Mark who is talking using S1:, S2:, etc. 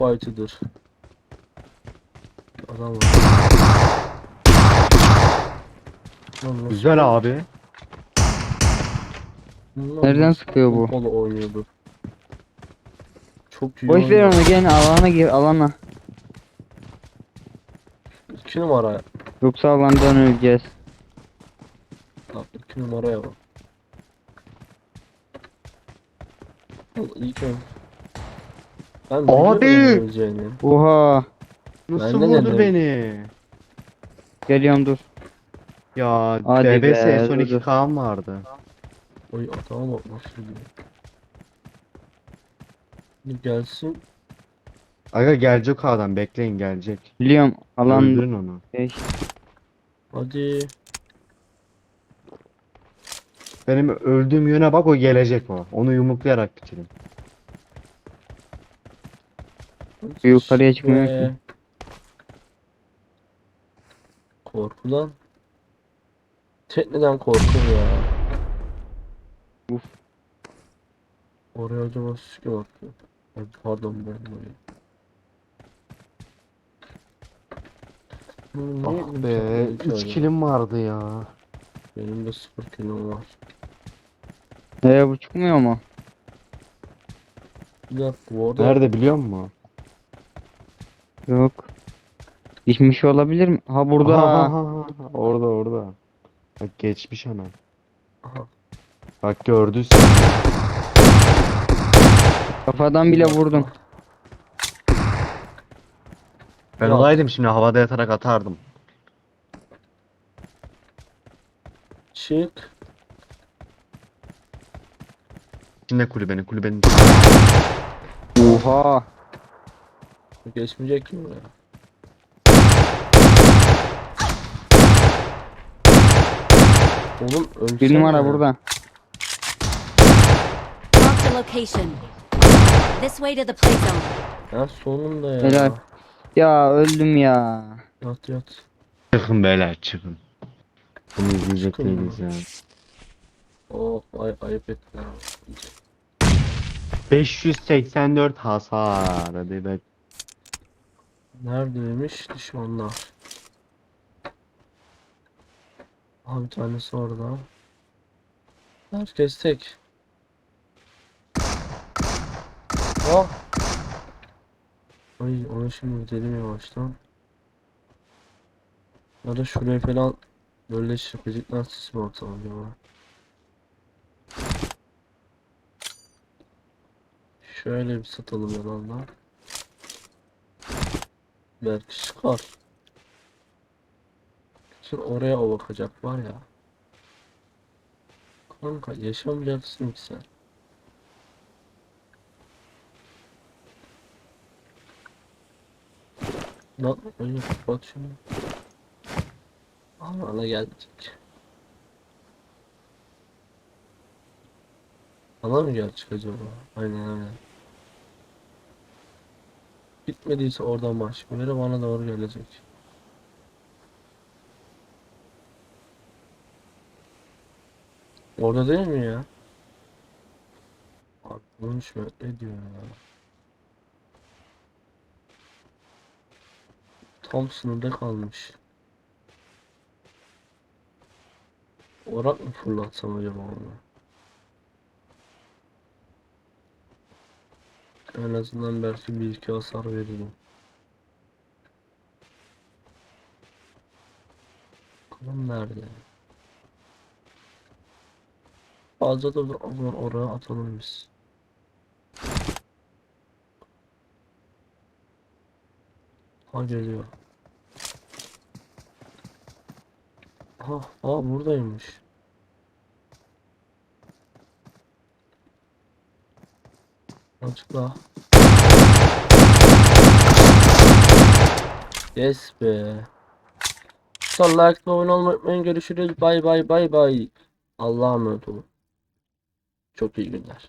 S1: Fight'ıdır. Adam var. Lan nasıl
S2: Güzel abi.
S1: Lan
S3: Nereden
S1: nasıl
S3: sıkıyor bu?
S1: pompalı oynuyordu. Çok iyi
S3: Boş ver
S1: oynuyor.
S3: onu, gel alana gir, alana.
S1: 2 numara.
S3: Yoksa alandan öleceğiz.
S1: Bak 2 numaraya bak. İlk ön. Ben
S2: Abi!
S1: biliyorum öleceğini.
S3: Oha.
S2: Nasıl
S1: Ben de
S2: vurdu
S1: dedim.
S2: beni?
S3: Geliyorum, dur.
S2: Ya
S3: Hadi
S2: DBS
S3: be,
S2: son
S3: dur
S2: 2
S3: dur.
S2: Kaan vardı.
S1: Oy atama bak nasıl diyor. Bir gelsin.
S2: Aga gelecek o adam, bekleyin gelecek.
S3: Biliyorum alan
S2: Öldürün onu.
S3: 5.
S1: Hadi.
S2: Benim öldüğüm yöne bak, o gelecek o. Onu yumruklayarak bitirin.
S3: Yukarıya çıkmıyor ki.
S1: Ve korkudan. Tekneden korkur ya.
S3: Uf.
S1: Oraya acaba süske baktı. Ay, pardon ben buraya.
S2: Ah be, 3 kilim vardı ya.
S1: Benim de 0 kilom var.
S3: Bu çıkmıyor mu?
S1: Bir dakika bu arada
S2: Nerede biliyor musun?
S3: Yok. Geçmiş olabilir mi? Ha, burada.
S2: Aha, aha, aha. Orada orada. Bak geçmiş ana.
S1: aha,
S2: Bak gördün sen.
S3: Kafadan
S1: bir
S3: bile
S1: dakika.
S3: vurdum.
S2: Ben
S1: Ya.
S2: olaydım şimdi havada yatarak atardım.
S1: Çık.
S2: İçinde kulübenin.
S3: Oha.
S1: Geçmeyecek ki buraya. Oğlum ölsene.
S3: Bir numara burada.
S4: Marked a location. This way to the play zone.
S1: Ya sonunda ya.
S3: Helal. Ya öldüm ya.
S1: Yat yat.
S2: Çıkın beyler çıkın. Bunu izleyecek
S1: Çıkın
S2: değiliz
S1: ya.
S2: ya.
S1: Oh ayıp ettiler.
S2: 584 hasar. Hadi be.
S1: Neredeymiş düşmanlar? Aha bir tanesi orada. Herkes tek. Oh. Ay onu şimdi gidelim yavaştan. Ya da şuraya falan böyle şıpıcıklar sis mi atalım acaba? Şöyle bir satalım yalanlar. Belki çıkar. Şimdi oraya o bakacak var ya. Kanka yaşamayacaksın ki sen. Lan önce kapat şunu. Ama ana gelecek. Ana mı gelecek acaba? Aynen. Gitmediyse oradan başlıyor. Bana doğru gelecek. Orada değil mi ya? Abi konuşma ne diyor ya? Tam sınırda kalmış. Orak mı fırlatsam acaba onu? En azından belki bir iki hasar veririm. Bakalım nerede? Fazla da o zaman oraya atalım biz. Ha geliyor. Buradaymış. Açıkla. Yes be. Son like ve abone olmayı unutmayın. Görüşürüz. Bay bay bay bay. Allah'a emanet olun. Çok iyi günler.